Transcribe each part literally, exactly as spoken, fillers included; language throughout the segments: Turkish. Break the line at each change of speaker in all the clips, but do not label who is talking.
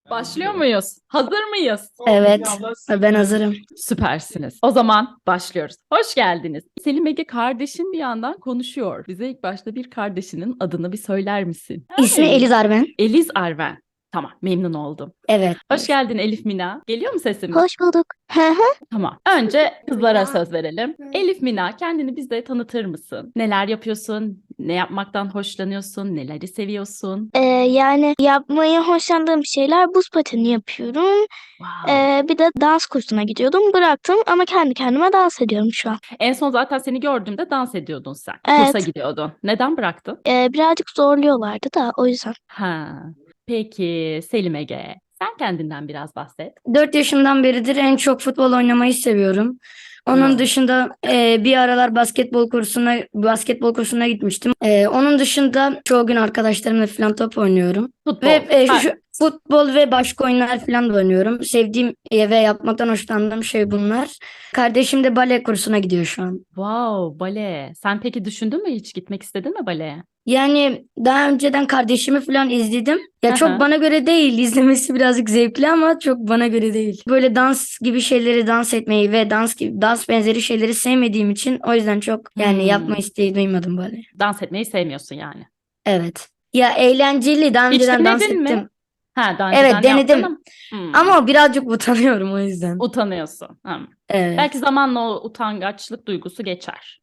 Başlıyor muyuz? Hazır mıyız?
Evet, ben hazırım.
Süpersiniz. O zaman başlıyoruz. Hoş geldiniz. Selim Ege kardeşin bir yandan konuşuyor. Bize ilk başta bir kardeşinin adını bir söyler misin?
İsmi
Hey.
Eliz Arben.
Eliz Arven. Tamam, memnun oldum.
Evet.
Hoş geldin Elif Mina. Geliyor mu sesimiz?
Hoş bulduk. Hı hı.
Tamam. Önce kızlara söz verelim. Elif Mina, kendini bize tanıtır mısın? Neler yapıyorsun? Ne yapmaktan hoşlanıyorsun? Neleri seviyorsun?
Ee, yani yapmayı hoşlandığım şeyler buz pateni yapıyorum.
Wow.
Ee, bir de dans kursuna gidiyordum. Bıraktım ama kendi kendime dans ediyorum şu an.
En son zaten seni gördüğümde dans ediyordun sen.
Evet.
Kursa gidiyordun. Neden bıraktın?
Ee, birazcık zorluyorlardı da o yüzden.
Ha. Peki Selim Ege, sen kendinden biraz bahset.
dört yaşımdan beridir en çok futbol oynamayı seviyorum. Onun
Evet.
dışında e, bir aralar basketbol kursuna basketbol kursuna gitmiştim. E, onun dışında çoğu gün arkadaşlarımla falan top oynuyorum.
Futbol.
Ve e, şu,
Ha,
şu futbol ve başka oyunlar falan da oynuyorum. Sevdiğim e, ve yapmaktan hoşlandığım şey bunlar. Kardeşim de bale kursuna gidiyor şu an.
wow, bale. Sen peki düşündün mü hiç gitmek istedin mi baleye?
Yani daha önceden kardeşimi falan izledim. Ya
Hı
çok
hı.
bana göre değil. İzlemesi birazcık zevkli ama çok bana göre değil. Böyle dans gibi şeyleri dans etmeyi ve dans gibi dans benzeri şeyleri sevmediğim için o yüzden çok yani yapma
Hmm,
isteği duymadım böyle.
dans etmeyi sevmiyorsun yani.
Evet. Ya eğlenceli. Daha
Hiç
önceden dans
denedin mi?
ettim.
Ha, daha
Evet
önceden yaptın
denedim.
ama hmm,
Ama birazcık utanıyorum o yüzden.
utanıyorsun. Hmm.
Evet.
Belki zamanla o utangaçlık duygusu geçer.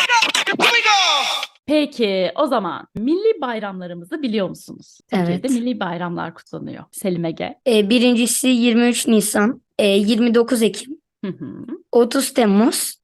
Peki o zaman milli bayramlarımızı biliyor musunuz? Türkiye'de
Evet.
milli bayramlar kutlanıyor. Selim Ege.
Ee, birincisi yirmi üç Nisan, e, yirmi dokuz Ekim,
Hı hı.
otuz Temmuz,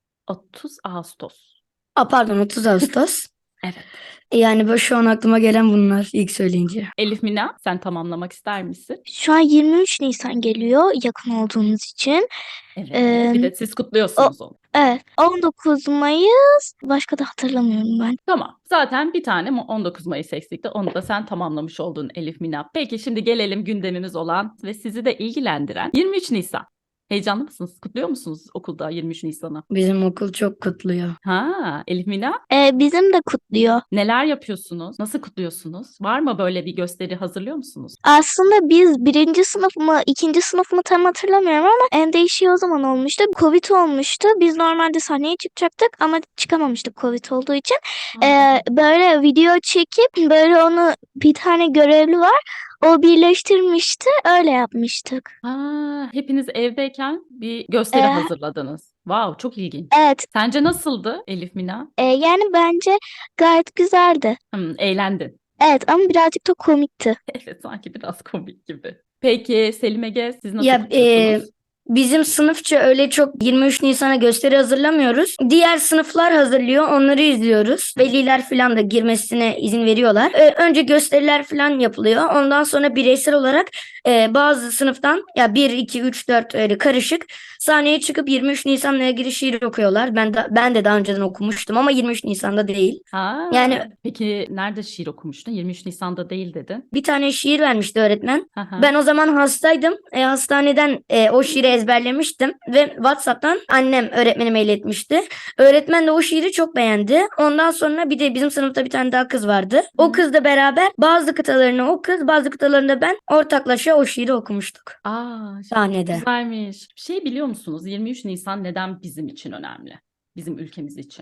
otuz Ağustos.
a, pardon otuz Ağustos.
Evet.
Yani böyle şu an aklıma gelen bunlar ilk söyleyince.
Elif Mina, sen tamamlamak ister misin?
Şu an yirmi üç Nisan geliyor yakın olduğumuz için.
Evet.
Ee,
Bir de siz
o,
kutluyorsunuz onu.
evet. on dokuz Mayıs. Başka da hatırlamıyorum ben.
Tamam. Zaten bir tane mi on dokuz Mayıs eksikti. Onu da sen tamamlamış oldun Elif Mina. Peki şimdi gelelim gündemimiz olan ve sizi de ilgilendiren yirmi üç Nisan. Heyecanlı mısınız? Kutluyor musunuz okulda yirmi üç Nisan'ı?
Bizim okul çok kutluyor.
Ha, Elif Mina,
Ee, bizim de kutluyor.
neler yapıyorsunuz? Nasıl kutluyorsunuz? Var mı böyle bir gösteri hazırlıyor musunuz?
Aslında biz birinci sınıf mı, ikinci sınıf mı tam hatırlamıyorum ama en değişiği o zaman olmuştu. Covid olmuştu. Biz normalde sahneye çıkacaktık ama çıkamamıştık Covid olduğu için. Ee, böyle video çekip böyle onu bir tane görevli var. O birleştirmişti. Öyle yapmıştık.
Ha, hepiniz evdeyken bir gösteri
Ee,
hazırladınız. Wow, çok ilginç.
evet.
Sence nasıldı Elif Mina?
Ee, yani bence gayet güzeldi.
Hmm, eğlendin.
Evet ama birazcık da komikti.
Evet, sanki biraz komik gibi. Peki Selim Ege, siz nasıl
Ya e,
kutluyorsunuz?
bizim sınıfça öyle çok yirmi üç Nisan'a gösteri hazırlamıyoruz. Diğer sınıflar hazırlıyor, onları izliyoruz. Veliler falan da girmesine izin veriyorlar. E, önce gösteriler falan yapılıyor. Ondan sonra bireysel olarak e, bazı sınıftan ya bir, iki, üç, dört öyle karışık sahneye çıkıp yirmi üç Nisan'la ilgili şiir okuyorlar. Ben de, ben de daha önceden okumuştum ama yirmi üç Nisan'da değil.
Ha,
Yani
peki nerede şiir okumuştun? yirmi üç Nisan'da değil dedin.
bir tane şiir vermişti öğretmen.
Hı hı.
Ben o zaman hastaydım. E, hastaneden e, o şiiri ezberlemiştim ve WhatsApp'tan annem öğretmenime iletmişti. Öğretmen de o şiiri çok beğendi. Ondan sonra bir de bizim sınıfta bir tane daha kız vardı. O kızla beraber bazı kıtalarını o kız, bazı kıtalarını da ben ortaklaşa o şiiri okumuştuk
Aa, çok
sahnede.
güzelmiş. Şey biliyor musunuz? yirmi üç Nisan neden bizim için önemli? Bizim ülkemiz için.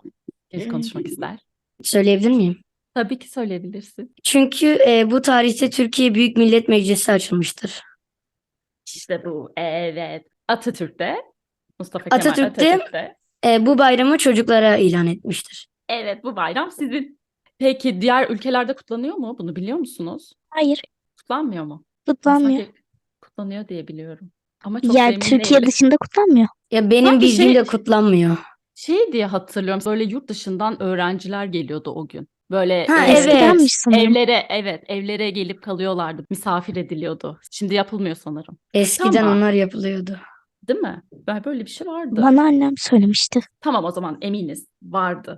Kim konuşmak ister?
Söyleyebilir miyim?
Tabii ki söyleyebilirsin.
Çünkü e, bu tarihte Türkiye Büyük Millet Meclisi açılmıştır.
İşte bu. Evet. Atatürk'te. Mustafa Kemal
Atatürk de
Atatürk'te.
e, bu bayramı çocuklara ilan etmiştir.
Evet, bu bayram sizin. Peki diğer ülkelerde kutlanıyor mu? Bunu biliyor musunuz?
Hayır,
Kutlanmıyor mu? Ben
kutlanmıyor.
sanki kutlanıyor diye biliyorum. Ama çok da
Yani
emin
Türkiye
değilim.
dışında kutlanmıyor.
Ya benim
Sanki
bildiğim
şey
de kutlanmıyor.
şey diye hatırlıyorum. Böyle yurt dışından öğrenciler geliyordu o gün. Böyle
Ha
e,
Eskidenmiş
evet.
sanırım.
evlere evet evlere gelip kalıyorlardı. Misafir ediliyordu. Şimdi yapılmıyor sanırım.
Eskiden
Tamam,
onlar yapılıyordu.
değil mi? Ben böyle bir şey vardı.
Bana annem söylemişti.
Tamam o zaman eminiz vardı.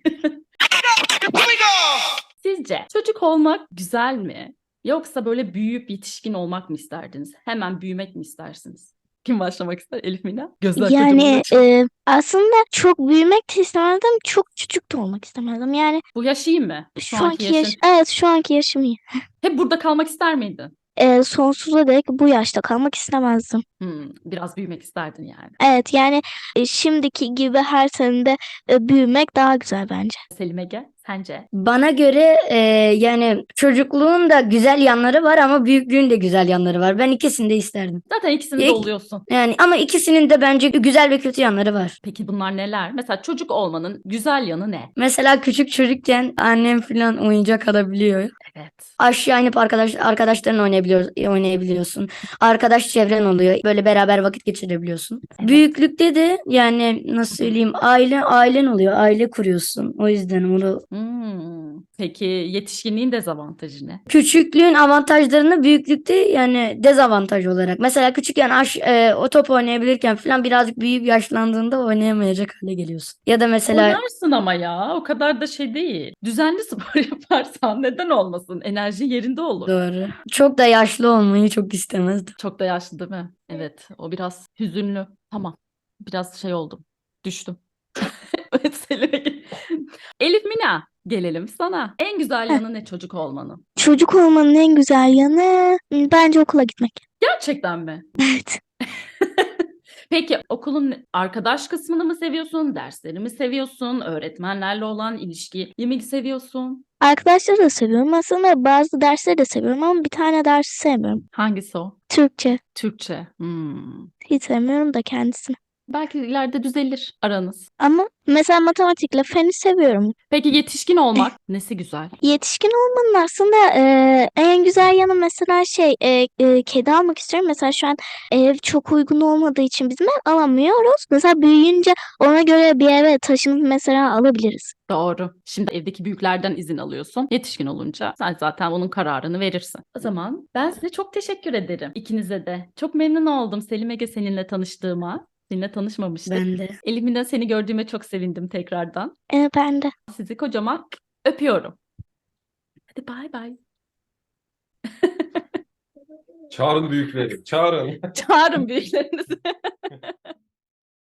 Sizce çocuk olmak güzel mi? Yoksa böyle büyüyüp yetişkin olmak mı isterdiniz? Hemen büyümek mi istersiniz? Kim başlamak ister? Elif Mina? Gözler kocaman
Yani
açık.
e, aslında çok büyümek de istemezdim, çok küçük de olmak istemezdim. Yani
Bu yaş iyi mi? Şu
şu
anki
anki yaş,
yaşın.
evet şu anki yaşım iyi.
Hep burada kalmak ister miydin?
e, sonsuza dek bu yaşta kalmak istemezdim.
Hmm, biraz büyümek isterdin yani.
Evet yani e, şimdiki gibi her senede e, büyümek daha güzel bence.
Selim Ege, sence?
Bana göre e, yani çocukluğun da güzel yanları var ama büyüklüğün de güzel yanları var. Ben ikisini de isterdim.
Zaten ikisini de
İlk-
oluyorsun.
Yani ama ikisinin de bence güzel ve kötü yanları var.
Peki bunlar neler? Mesela çocuk olmanın güzel yanı ne?
Mesela küçük çocukken annem falan oyuncak alabiliyor.
Evet.
Aşağı inip arkadaş arkadaşlarınla oynayabiliyor, oynayabiliyorsun. Arkadaş çevren oluyor. Böyle beraber vakit geçirebiliyorsun.
Evet.
Büyüklükte de yani nasıl söyleyeyim aile ailen oluyor. Aile kuruyorsun. O yüzden onu
Hmm. Peki yetişkinliğin dezavantajı ne?
küçüklüğün avantajlarını büyüklükte yani dezavantaj olarak. Mesela küçükken aş, e, o top oynayabilirken falan birazcık büyüyüp yaşlandığında oynayamayacak hale geliyorsun. Ya da mesela
Oynarsın ama ya. O kadar da şey değil. Düzenli spor yaparsan neden olmasın? Enerji yerinde olur.
doğru. Çok da yaşlı olmayı çok istemezdim.
Çok da yaşlı değil mi? Evet. O biraz hüzünlü. Tamam. Biraz şey oldum. Düştüm. Evet, Selim'e gel- Elif Mina, gelelim sana. En güzel
Heh.
yanı ne çocuk olmanın?
Çocuk olmanın en güzel yanı m, bence okula gitmek.
Gerçekten mi?
Evet.
Peki okulun arkadaş kısmını mı seviyorsun? Dersleri mi seviyorsun? Öğretmenlerle olan ilişkiyi mi seviyorsun?
Arkadaşları da seviyorum. Aslında bazı dersleri de seviyorum ama bir tane dersi sevmiyorum.
Hangisi o?
Türkçe.
Türkçe. Hmm.
Hiç sevmiyorum da kendisini.
Belki ileride düzelir aranız.
Ama mesela matematikle feni seviyorum.
Peki yetişkin olmak nesi güzel?
Yetişkin olmanın aslında e, en güzel yanı mesela şey e, e, kedi almak istiyorum. Mesela şu an ev çok uygun olmadığı için biz ev alamıyoruz. Mesela büyüyünce ona göre bir eve taşınıp mesela alabiliriz.
Doğru. Şimdi evdeki büyüklerden izin alıyorsun. Yetişkin olunca sen zaten onun kararını verirsin. O zaman ben size çok teşekkür ederim. İkinize de. Çok memnun oldum Selim Ege seninle tanıştığıma. Seninle tanışmamıştık.
Ben de.
Elimden seni gördüğüme çok sevindim tekrardan.
E, ben de.
Sizi kocaman öpüyorum. Hadi bay bay.
Çağırın büyükleri. Çağırın.
Çağırın büyüklerinizi.